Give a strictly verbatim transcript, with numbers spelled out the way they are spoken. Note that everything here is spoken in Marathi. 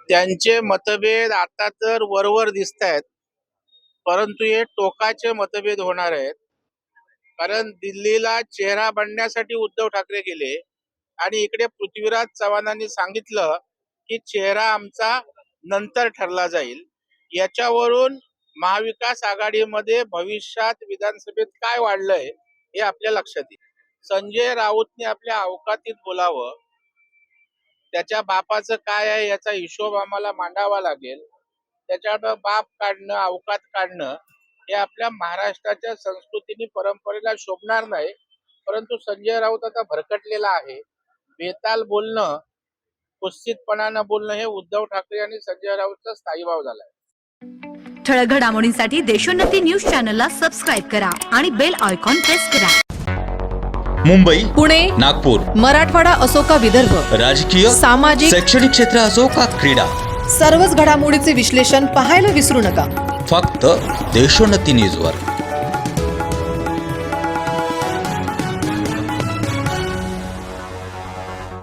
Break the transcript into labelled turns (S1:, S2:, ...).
S1: त्यांचे मतभेद आता तर वरवर दिसत आहेत, परंतु हे टोकाचे मतभेद होणार आहेत. कारण दिल्लीला चेहरा बनण्यासाठी उद्धव ठाकरे गेले आणि इकडे पृथ्वीराज चव्हाणांनी सांगितलं की चेहरा आमचा नंतर ठरला जाईल. याच्यावरून महाविकास आघाडीमध्ये भविष्यात विधानसभेत काय वाढलंय हे आपल्या लक्षात येईल. संजय राऊतने आपल्या अवकातीत बोलावं, त्याच्या बापाचं काय आहे याचा हिशोब आम्हाला मांडावा लागेल. त्याच्यावर बाप काढणं, अवकात काढणं हे आपल्या महाराष्ट्राच्या संस्कृतीने परंपरेला शोभणार नाही. परंतु संजय राऊत आता भरकटलेला आहे. बेताल बोलणं, कुत्सितपणानं बोलणं हे उद्धव ठाकरे आणि संजय राऊतचा स्थायीभाव झालाय.
S2: ठळक घडामोडींसाठी देशोन्नती न्यूज चॅनलला सबस्क्राईब करा आणि बेल आयकॉन प्रेस करा.
S3: मुंबई,
S4: पुणे,
S3: नागपूर,
S4: मराठवाडा असो का विदर्भ,
S3: राजकीय,
S4: सामाजिक,
S3: शैक्षणिक क्षेत्र असो का क्रीडा,
S4: सर्वच घडामोडीचे विश्लेषण पाहायला विसरू नका.
S3: फक्त देशोन्नती न्यूजवर.